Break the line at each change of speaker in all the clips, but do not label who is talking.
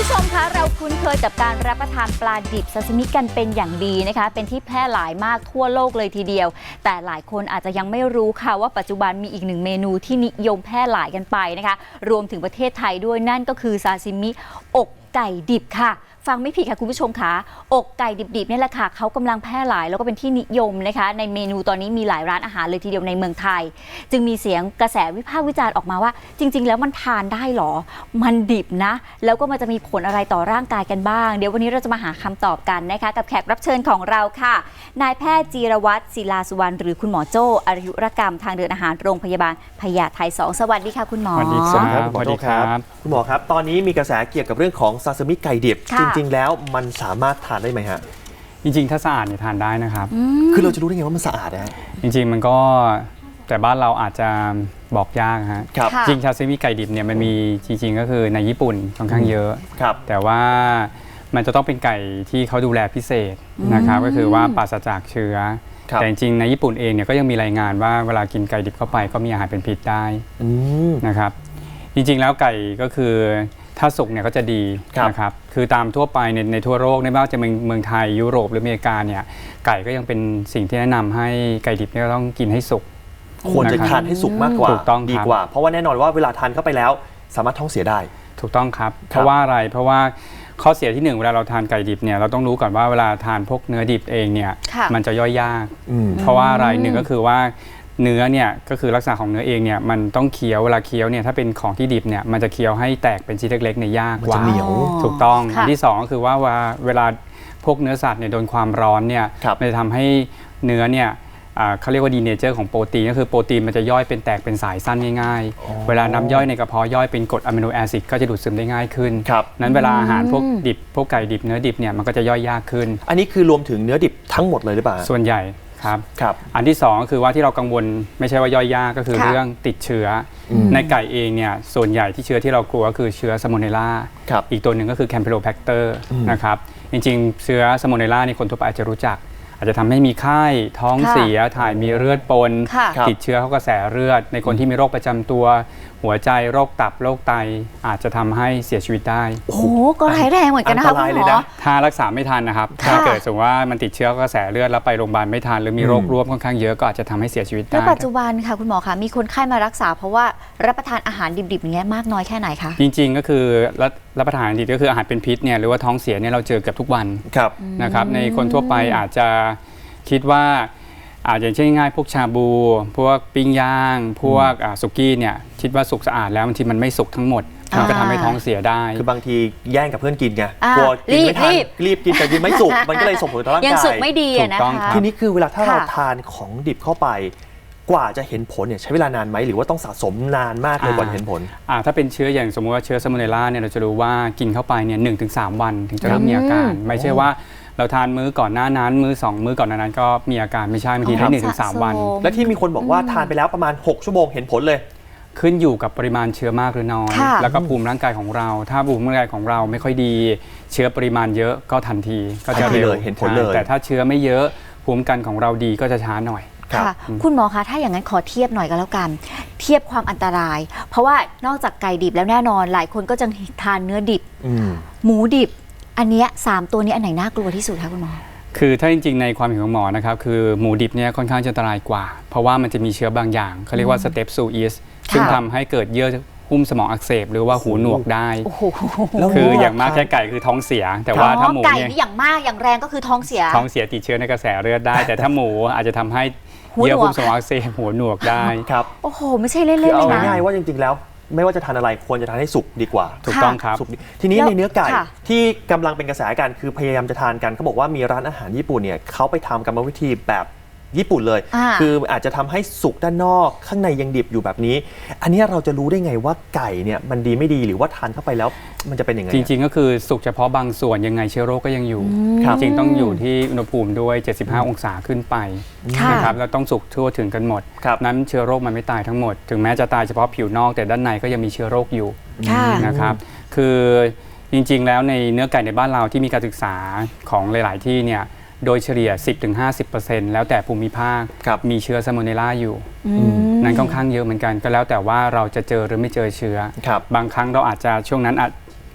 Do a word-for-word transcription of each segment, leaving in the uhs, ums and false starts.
ผู้ชมคะเราคุ้นเคยกับการรับประทานปลาดิบซาซิมิกันเป็นอย่างดีนะคะเป็นที่แพร่หลายมากทั่วโลกเลยทีเดียวแต่หลายคนอาจจะยังไม่รู้ค่ะว่าปัจจุบันมีอีกหนึ่งเมนูที่นิยมแพร่หลายกันไปนะคะรวมถึงประเทศไทยด้วยนั่นก็คือซาซิมิอกไก่ดิบค่ะฟังไม่ผิดค่ะคุณผู้ชมคะอกไก่ดิบๆนี่แหละค่ะเขากำลังแพร่หลายแล้วก็เป็นที่นิยมนะคะในเมนูตอนนี้มีหลายร้านอาหารเลยทีเดียวในเมืองไทยจึงมีเสียงกระแสวิพากษ์วิจารณ์ออกมาว่าจริงๆแล้วมันทานได้หรอมันดิบนะแล้วก็มันจะมีผลอะไรต่อร่างกายกันบ้างเดี๋ยววันนี้เราจะมาหาคำตอบกันนะคะกับแขกรับเชิญของเราค่ะนายแพทย์จีรวัตรศิลาสุวรรณหรือคุณหมอโจ้อายุรกรรมทางเดินอาหารโรงพยาบาลพญาไทสองสวัสดีค่ะคุณหมอ
สวัสดีครับ
สวัสดีครับคุณหมอครับตอนนี้มีกระแสเกี่ยวกับเรื่องของซาซิมิไก่ดิบจริงๆแล้วมันสามารถทานได้ไหมฮะ
จริงๆถ้าสะอาดเนี่ยทานได้นะครับ
คือเราจะรู้ได้ไงว่ามันสะอาดนะฮะ
จริงๆมันก็แต่บ้านเราอาจจะบอกยากฮะ
ครับ
จริงซาซิมิไก่ดิบเนี่ยมันมีจริงๆก็คือในญี่ปุ่นค่อนข้างเยอะ
ครับ
แต่ว่ามันจะต้องเป็นไก่ที่เขาดูแลพิเศษนะครับก็คือว่าปราศจากเชื้อแต่จริงๆในญี่ปุ่นเองเนี่ยก็ยังมีรายงานว่าเวลากินไก่ดิบเข้าไปก็มีอาหารเป็นพิษได้นะครับจริงๆแล้วไก่ก็คือถ้าสุกเนี่ยก็จะดีนะครับคือตามทั่วไปในในทั่วโลกไม่ว่าจะเป็นเมืองไทยยุโรปหรืออเมริกาเนี่ยไก่ก็ยังเป็นสิ่งที่แนะนำให้ไก่ดิบเนี่ยต้องกินให้สุก
ควรจะทานให้สุกมากกว่าดีกว่าเพราะว่าแน่นอนว่าเวลาทานเข้าไปแล้วสามารถท้องเสียได้
ถูกต้องครับเพราะว่าอะไรเพราะว่าข้อเสียที่หนึ่งเวลาเราทานไก่ดิบเนี่ยเราต้องรู้ก่อนว่าเวลาทานพวกเนื้อดิบเองเนี่ยมันจะย่อยยากเพราะว่าอะไรหนึ่งก็คือว่าเนื้อเนี่ยก็คือลักษณะของเนื้อเองเนี่ยมันต้องเคี้ยวเวลาเคี้ยวเนี่ยถ้าเป็นของที่ดิบเนี่ยมันจะเคี้ยวให้แตกเป็นชิ้นเล็กๆในยากกว่าถูกต้องอันที่สองก็คือว่าเวลาพวกเนื้อสัตว์เนี่ยโดนความร้อนเนี่ยมันจะทำให้เนื้อเนี่ยเขาเรียกว่าดีเนเจอร์ของโปรตีนก็คือโปรตีนมันจะย่อยเป็นแตกเป็นสายสั้นง่ายๆเวลาน้ำย่อยในกระเพาะย่อยเป็นกรดอะมิโนแอซิดก็จะดูดซึมได้ง่ายขึ้นนั้นเวลาอาหารพวกดิบพวกไก่ดิบเนื้อดิบเนี่ยมันก็จะย่อยยากขึ้น
อันนี้คือรวมถึงเนื้อดิบทั้งหมดเลยหรือเปล่า
ส่วนใหญ่ครับ
ครับ
อันที่สองก็คือว่าที่เรากังวลไม่ใช่ว่าย่อยยากก็คือเรื่องติดเชื้อในไก่เองเนี่ยส่วนใหญ่ที่เชื้อที่เรากลัวก็คือเชื้อซาโมเนลลาอีกตัวหนึ่งก็คือแคมเปโลแบคเตอร์นะครับจริงๆเชื้อซาโมเนลลานี่คนทั่วไปอาจจะรู้จักอาจจะทำให้มีไข้ท้องเสียถ่ายมีเลือดปนติดเชื้อเข้ากระแสเลือดในคนที่มีโรคประจำตัวหัวใจโรคตับโรคไตอาจจะทำให้เสียชีวิตได้
โอ้โหก็ร้ายแรงเหมือนกันนะคะคุณหมอ
ถ้ารักษาไม่ทันนะครับถ้าเกิดสมมติว่ามันติดเชื้อกระแสเลือดแล้วไปโรงพยาบาลไม่ทันหรือมีโรคร่วมค่อนข้างเยอะก็อาจจะทำให้เสียชีวิตได้
แล้วปัจจุบันค่ะคุณหมอคะมีคนไข้มารักษาเพราะว่ารับประทานอาหารดิบๆอย่างเงี้ยมากน้อยแค่ไหนคะ
จริงๆก็คือรับประทานดิบก็คืออาหารเป็นพิษเนี่ยหรือว่าท้องเสียเนี่ยเราเจอเกือบทุกวันนะครับในคนทั่วไปอาจจะคิดว่าอาจจะเช่นง่ายพวกชาบูพวกปิ้งย่างพวกสุกี้เนี่ยคิดว่าสุกสะอาดแล้วบางทีมันไม่สุกทั้งหมดมันก็ทำให้ท้องเสียได้
คือบางทีแย่งกับเพื่อนกินไงกลัวกินไม่ทันรีบกินแต่กินไม่สุกมันก็เลยส่งผลต่อร่างกาย
ยังสุกไม่ดีนะคะ
ทีนี้คือเวลาถ้าเราทานของดิบเข้าไปกว่าจะเห็นผลเนี่ยใช้เวลานานไหมหรือว่าต้องสะสมนานมากเลยกว่าเห็นผล
ถ้าเป็นเชื้ออย่างสมมติว่าเชื้อซาโมเนลลาเนี่ยเราจะรู้ว่ากินเข้าไปเนี่ยหนึ่งถึงสามวันถึงจะเริ่มมีอาการไม่ใช่ว่าเราทานมื้อก่อนหน้านั้นมื้อสองมื้อก่อนหน้านั้นก็มีอาการไม่ใช่บางทีได้หนึ่งถึงสามวัน
และที่มีคนบอกว่าทานไปแล้วประมาณหกชั่วโมงเห็นผลเลย
ขึ้นอยู่กับปริมาณเชื้อมากหรือน้อยแล้วก็ภูมิร่างกายของเราถ้าภูมิร่างกายของเราไม่ค่อยดีเชื้อปริมาณเยอะก็ทันทีก็จะเร็ว
เห็นผลเลย
แต่ถ้าเชื้อไม่เยอะภูมิกันของเราดีก็จะช้าหน่อย
ค่ะคุณหมอคะถ้าอย่างนั้นขอเทียบหน่อยก็แล้วกันเทียบความอันตรายเพราะว่านอกจากไก่ดิบแล้วแน่นอนหลายคนก็จะทานเนื้อดิบหมูดิบอันนี้สามตัวนี้อันไหนน่ากลัวที่สุดคะคุณหมอ
คือถ้าจริงๆในความเห็นของหมอนะครับคือหมูดิบเนี่ยค่อนข้างจะอันตรายกว่าเพราะว่ามันจะมีเชื้อบางอย่างเขาเรียกว่าสเตปซูอิสซึ่งทำให้เกิดเยื่อหุ้มสมองอักเสบหรือว่าหูหนวกได้คืออย่างมากแค่ไก่คือท้องเสียแต่ว่าถ้าหมู
ไก่นี่อย่างมากอย่างแรงก็คือท้องเสีย
ท้องเสียติดเชื้อในกระแสเลือดได้แต่ถ้าหมูอาจจะทำให้เยื่อหุ้มสมองอักเสบหูหนวกได้
ครับ
โอ้โหไม่ใช่เล่นๆเลยนะ
เอาง่ายๆว่าจริงๆแล้วไม่ว่าจะทานอะไรควรจะทานให้สุกดีกว่า
ถูกต้องครับ
ทีนี้ในเนื้อไก่ที่กำลังเป็นกระแสกันคือพยายามจะทานกันเขาบอกว่ามีร้านอาหารญี่ปุ่นเนี่ยเขาไปทำกรรมวิธีแบบญี่ปุ่นเลยคืออาจจะทำให้สุกด้านนอกข้างในยังดิบอยู่แบบนี้อันนี้เราจะรู้ได้ไงว่าไก่เนี่ยมันดีไม่ดีหรือว่าทานเข้าไปแล้วมันจะเป็นยังไง
จริงๆก็คือสุกเฉพาะบางส่วนยังไงเชื้อโรคก็ยังอยู่จริงๆต้องอยู่ที่อุณหภูมิด้วยเจ็ดสิบห้าองศาขึ้นไปนะครับแล้วต้องสุกทั่วถึงกันหมดนั้นเชื้อโรคมันไม่ตายทั้งหมดถึงแม้จะตายเฉพาะผิวนอกแต่ด้านในก็ยังมีเชื้อโรคอยู่นะครับคือจริงๆแล้วในเนื้อไก่ในบ้านเราที่มีการศึกษาของหลายๆที่เนี่ยโดยเฉลี่ย สิบถึงห้าสิบเปอร์เซ็นต์ แล้วแต่ภูมิภาคมีเชื้อซาโมเนลลาอยู่นั้นค่อนข้างเยอะเหมือนกันก็แล้วแต่ว่าเราจะเจอหรือไม่เจอเชื้อบางครั้งเราอาจจะช่วงนั้นอาจ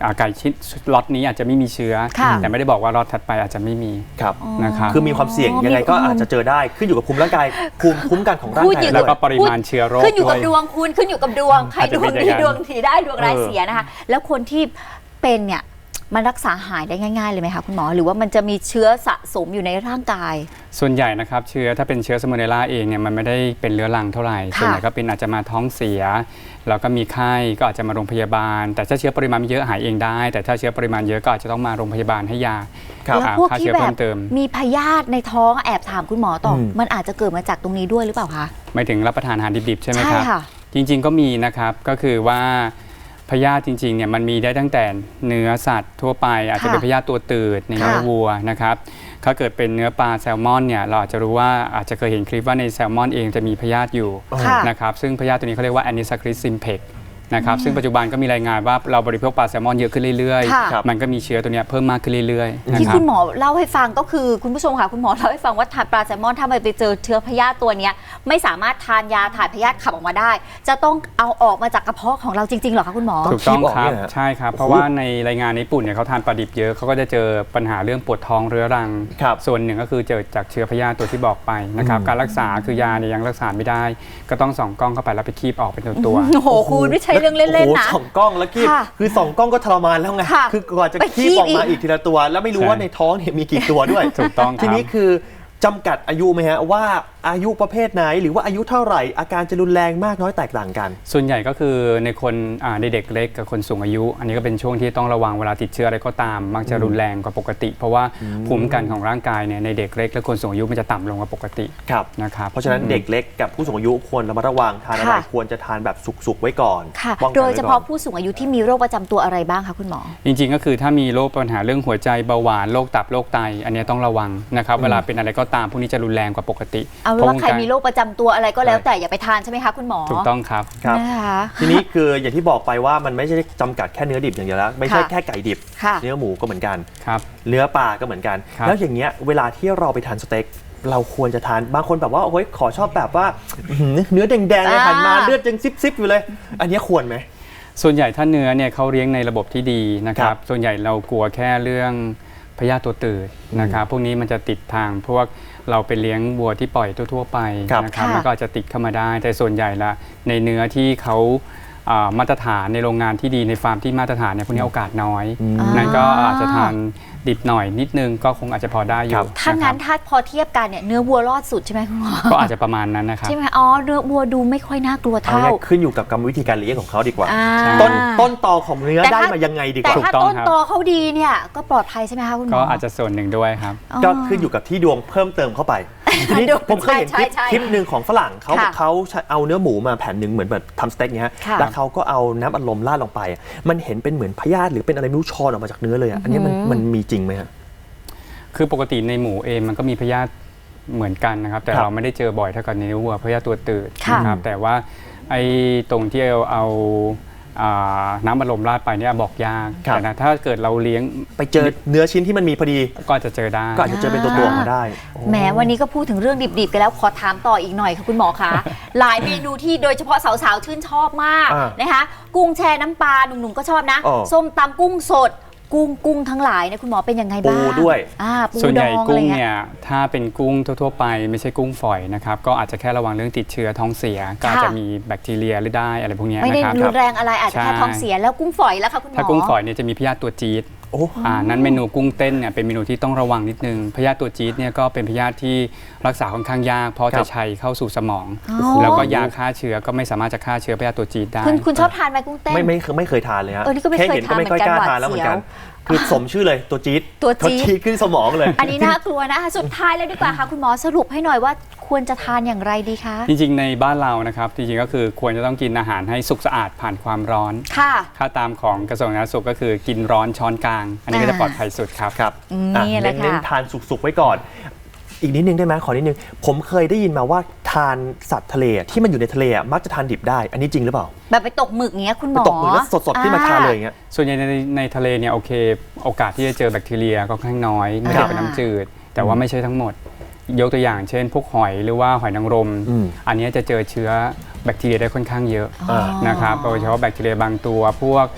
อ่าไก่ชิ้นล็อตนี้อาจจะไม่มีเชื้อ
ค่ะ
แต่ไม่ได้บอกว่าล็อตถัดไปอาจจะไม่มี
ครับ
นะครับ
คือมีความเสี่ยงยังไงก็อาจจะเจอได้ขึ้นอยู่กับภูมิร่างกายภูมิคุ้มกันของร่าง
พูด
กาย
อยู่
แล้วก็
ด้วย
ปริมาณเชื้อโรค
ขึ้นอยู่กับ
ด้วย
ดวงคุณขึ้นอยู่กับดวงใคร
อาจ
ด
จะ
ว
เป็
ง
น
ดี
อย่างนั้น
ดวงดีได้ดวงร้าย
เออ
เสียนะคะ แล้วคนที่เป็นเนี่ยมันรักษาหายได้ง่ายๆเลยไหมคะคุณหมอหรือว่ามันจะมีเชื้อสะสมอยู่ในร่างกาย
ส่วนใหญ่นะครับเชื้อถ้าเป็นเชื้อสมุนไพรเองเนี่ยมันไม่ได้เป็นเรื้อรังเท่าไหร่
ค่ะ
ส่วนใหญ่ก็เป็นอาจจะมาท้องเสียแล้วก็มีไข้ก็อาจจะมาโรงพยาบาล แต่ถ้าเชื้อปริมาณเยอะหายเองได้ แต่ถ้าเชื้อปริมาณเยอะก็อาจจะต้องมาโรงพยาบาลให้ยา
ครับ
แล้ว
หา
พวก
ฆ่า
ที่
เชื้อ
แบ
เพิ่
บ
มเติม
มีพยาธิในท้องแอบถามคุณหมอต่ออ
ม
มันอาจจะเกิดมาจากตรงนี้ด้วยหรือเปล่าคะ
ไม่ถึงรับประทานอาหารดิบๆใช่ไหม
ใช่
ครับ
ค่ะ
จริงๆก็มีนะครับก็คือว่าพยาธิจริงๆเนี่ยมันมีได้ตั้งแต่เนื้อสัตว์ทั่วไป อาจจะเป็นพยาธิตัวตืดในเนื้อ
ค่ะ
วัวนะครับถ้าเกิดเป็นเนื้อปลาแซลมอนเนี่ยเราอาจจะรู้ว่าอาจจะเคยเห็นคลิปว่าในแซลมอนเองจะมีพยาธิอยู่
ค่ะ
นะครับซึ่งพยาธิตัวนี้เขาเรียกว่า Anisakis simplex นะครับซึ่งปัจจุบันก็มีรายงานว่าเราบริโภคปลาแซลมอนเยอะขึ้นเรื่อย
ค่ะ
ๆ มันก็มีเชื้อตัวเนี้ยเพิ่มมากขึ้นเรื่อยๆนะ
ที่
ครั
คุ
บ
ณหมอเล่าให้ฟังก็คือคุณผู้ชมค่ะคุณหมอเล่าให้ฟังว่าทานปลาแซลมอนถ้ามันไปเจอเชื้อพยาธิตัวเนี้ยไม่สามารถทานยาถ่ายพยาธิขับออกมาได้ จะต้องเอาออกมาจากกระเพาะของเราจริงๆเหรอคะคุณหมอ
ถูกต้อง
คีบออก
ครับ
เนี่ยเหรอ
ใช่ครับ
โอ้โห
เพราะว่าในรายงานในญี่ปุ่นเนี่ยเขาทานปลาดิบเยอะเขาก็จะเจอปัญหาเรื่องปวดท้องเรื้อรัง
ครับ
ส่วนหนึ่งก็คือเจอจากเชื้อพยาธิตัวที่บอกไปนะครับ
อืม
การรักษาคือยาเนี่ยยังรักษาไม่ได้ ก็ต้องส่องกล้องเข้าไปแล้วไปคีบออกเป็นตัว
โอ้โหคุณไม่ใช่เรื่องเล่นๆนะ
โอ้โหสองกล้องแล้วคีบ
ค่ะ
คือสองกล้องก็ทรมานแล้วไง
ค่ะ
คือกว่าจะ
ไปคี
คี
บบ
ออกมา
อีก
อีกทีละตัว แล้วไม่รู้
ใช่
ว่าในท้องเนี่ยมีกี่ตัวด้วย
ถูกต้องครับ
ทีนี้คือจำกัดอายุไหมฮะว่าอายุประเภทไหนหรือว่าอายุเท่าไหร่อาการจะรุนแรงมากน้อยแตกต่างกัน
ๆ ส่วนใหญ่ก็คือในคนอ่าในเด็กเล็กกับคนสูงอายุ อันนี้ก็เป็นช่วงที่ต้องระวังเวลาติดเชื้ออะไรก็ตาม มักจะรุนแรงกว่าปกติ เพราะว่าภูมิคุ้มกันของร่างกายเนี่ยในเด็กเล็กและคนสูงอายุมันจะต่ำลงกว่าปกติ
ครับ
นะครับ
เพราะฉะนั้นเด็กเล็กกับผู้สูงอายุควรระมัดระวังทานอะไร
ค่ะ
ควรจะทานแบบสุกๆไว้ก่อน
ค่ะ
ป้องกัน
โดย
ไว้
เฉ
ก่อ
พาะ
น
ผู้สูงอายุที่มีโรคประจำตัวอะไรบ้างคะคุณหมอ
จริงๆ ก็คือถ้ามีโรคปัญหาเรื่องหัวใจเบาหวานโรคตับโรคไต อันนี้ต้องระวังนะครับเวลาเป็นอะไรก็ตามพวกนี้จะรุนแรงกว่าปกติ
เอาเป็นว่าใครมีโรคประจำตัวอะไรก็แล้วแต่อย่าไปทานใช่ไหมคะคุณหมอ
ถูกต้องครับ
ครับ
นะคะ
ทีนี้คืออย่างที่บอกไปว่ามันไม่ใช่จำกัดแค่เนื้อดิบอย่างเดียวแล้วไม่ใช่
ค่ะ
แค่ไก่ดิบ
ค่ะ
เนื้อหมูก็เหมือนกัน
ครับ
เนื้อปลาก็เหมือนกัน
ครับ
แล้วอย่างเงี้ยเวลาที่เราไปทานสเต็กเราควรจะทานบางคนแบบว่าโอ้ยขอชอบแบบว่าอื้อหือเนื้อแดงๆเลย
อ่า
หันมาเลือดยังซิบๆอยู่เลย อันเนี้ยควรไหม
ส่วนใหญ่ถ้าเนื้อเนี่ยเขาเลี้ยงในระบบที่ดีนะค
ครั
รับ บส่วนใหญ่เรากลัวแค่เรื่องพยาธิตัวตืดนะครับพวกนี้มันจะติดทางพวกเราไปเลี้ยงวัวที่ปล่อยทั่วๆไป
ครับ
นะครับ
ค่ะ
มันก็อาจจะติดเข้ามาได้ แต่ส่วนใหญ่ละในเนื้อที่เขาอ่ามาตรฐานในโรงงานที่ดีในฟาร์มที่มาตรฐานเนี่ยพวกนี้โอกาสน้อย
อ่านั่
นั่นก็อาจจะทานดิบหน่อยนิดนึงก็คงอาจจะพอได้อ
ครั
ยู่
บ
ถ้างั้น
นะค
ถ้าพอเทียบกันเนี่ยเนื้อวัวรอดสุดใช่ไหมคุณหมอ
รับก็อาจจะประมาณนั้นนะครับ
ใช่ไหมอ๋อเนื้อวัวดูไม่ค่อยน่ากลัว
เอา
เท่า
เนี่ยขึ้นอยู่กับกรรมวิธีการเลี้ยงของเขาดีกว่า
อ่า
ต้นต้นตอของเนื้อ
แต่
ได้
ถ้า
มายังไงดีก
แต่
ว่า
ถ้า
ถูกต้อง
ต้น
ครับ
ตอเขาดีเนี่ยก็ปลอดภัยใช่ไหมคะคุณหมอ
ก็อาจจะส่วนหนึ่งด้วยครับ
ก็ขึ้นอยู่กับที่ดวงเพิ่มเติมเข้าไปทีนี้
ดวง
ผมเคยเห็นคลิป
ใช่ใช่
คลิปหนึ่งของฝรั่งเขา
ค่ะ
เขาเอาเนื้อหมูมาแผ่นหนึ่งเหมือนแบบทำสเต็กเนี้ย
ค่ะ
แล้วเขาก็เอาน้ำอัดลมราดลงไป มันเห็นเป็นเหมือนพยาธิหรือเป็นอะไรไม่รู้ชอนออกมาจากเนื้อเลยอะอันนี้มันมันมีจริงไหมฮะ
คือปกติในหมูเองมันก็มีพยาธิเหมือนกันนะครับ แต่
ครับ
เราไม่ได้เจอบ่อยเท่ากับในวัวพยาธิตัวตืด
ค่ะ
นะครับแต่ว่าไอ้ตรงที่เอาเอาอ่าน้ำอัดลมราดไปเนี่ยบอกยาก
ครับ
แต่นะถ้าเกิดเราเลี้ยง
ไปเจอเนื้อชิ้นที่มันมีพอดี
ก็อาจจะเจอได้
ก็อาจจะเจอเป็นตัวตัวออกมาได้
แหมวันนี้ก็พูดถึงเรื่องดิบๆกันแล้วขอถามต่ออีกหน่อยค่ะคุณหมอคะ หลายเมนูที่โดยเฉพาะสาวๆชื่นชอบมาก
อ่า
นะคะกุ้งแช่น้ำปลาหนุ่มๆก็ชอบนะ
อ๋อ
ส้มตำกุ้งสด กุ้งกุ้งทั้งหลายเนี่ยคุณหมอเป็นยังไงบ้าง
ปูด้วย
อ่าปู
ส่วน
ด
ใหญ่
องอะไร
กุ้ง
เงี้ย
เนี่ยถ้าเป็นกุ้งทั่วๆไปไม่ใช่กุ้งฝอยนะครับก็อาจจะแค่ระวังเรื่องติดเชื้อท้องเสียก็อาจจะมีแบคทีเรียหรือได้อะไรพวกเนี้ย
ไม่ได้
นะครับ
รุนแรงอะไรอาจจะแค่
ใช่
ท้องเสียแล้วกุ้งฝอยแล้วค่ะคุณหมอ
ถ้ากุ้งฝอยเนี่ยจะมีพยาธิตัวจี๊ด
โอ้
อ่านั้นเมนูกุ้งเต้นเนี่ยเป็นเมนูที่ต้องระวังนิดนึงพยาธิตัวจี๊ดเนี่ยก็เป็นพยาธิที่รักษาค่อนข้างยากเพราะ
ครั
จะ
บ
ชัยเข้าสู่สมอง
อ๋อ
แล้วก็ยาฆ่าเชื้อก็ไม่สามารถจะฆ่าเชื้อพยาธิตัวจี๊ดได้
คุณคุณชอบทานไหมกุ้งเต้น
ไม่ไม่เคยไม่เคยทานเลยฮะ
เออนี่ก็ไม่
แค่
เคย
เห็นก็ไม่ค่อย
ทาน
กล้า
เหมือนกัน
ทานแล้วเหมือนกัน
หวาดเสียว
คือสมชื่อเลยตัวจี๊ด
ตัวจี๊ด
เขาจี๊ดขึ้นสมองเลย
อันนี้น่ากลัวนะคะสุดท้ายแล้วดีกว่าค่ะคุณหมอสรุปให้หน่อยว่าควรจะทานอย่างไรดีคะ
จริงๆในบ้านเรานะครับจริงๆก็คือควรจะต้องกินอาหารให้สุกสะอาดผ่านความร้อน
ค่ะ
ค่าตามของกระทรวงสาธารณสุขก็คือกินร้อนช้อนกลาง อันนี้ก็จะ
อ่า
ปลอดภัยสุดครับ
ครับ
อืม
อ่ะ
นี่แหละ
เน้น
ค่ะ
ๆทานสุกๆไว้ก่อน อีกนิดนึงได้ไหมขอนิดนึง ผมเคยได้ยินมาว่าทานสัตว์ทะเลที่มันอยู่ในทะเลอ่ะมักจะทานดิบได้ อันนี้จริงหรือเปล่า
แบบไปตกหมึกอย่างเงี้ยคุณหม
ไป
อ
ตกมือแล้วสดๆขึ้นมาทานเลยอย่างเงี้ย
ส่วนใหญ่ในในทะเลเนี่ยโอเค โอกาสที่จะเจอแบคทีเรียก็ค่อนข้างน้อย ไม่ได้
อ่า
เป็นน้ำจืด แต่ว่าไม่ใช่ทั้งหมด ยกตัวอย่างเช่น พวกหอยหรือว่าหอยนางรม
อืม
อันนี้จะเจอเชื้อแบคทีเรียได้ค่อนข้างเยอะ
อ๋อ
นะครับโดยเฉพาะแบคทีเรียบางตัว พวก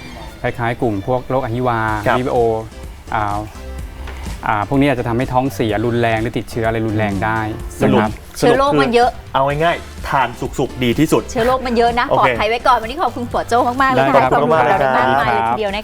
คล้ายๆ กลุ่มพวกโรคอหิวา
ครับ
วีโออ่าอ่าพวกนี้อาจจะทำให้ท้องเสียรุนแรงหรือติดเชื้ออะไรรุนแรงได้
สรุป
นะครับ
เชื้อโรคมันเยอะ
เอาง่ายๆทานสุกๆดีที่สุด
เชื้อโรคมันเยอะนะ
โอ
ปลอ
เค
ดภัยไว้ก่อนวันนี้ขอบคุณหัวโจ้มากๆเลย
ได้
ค่ะ
ขอบคุณมาก
ให้
เลย
ข้อมูลเราได้มากมายเลย
ครับ
ทีเดียวนะคะ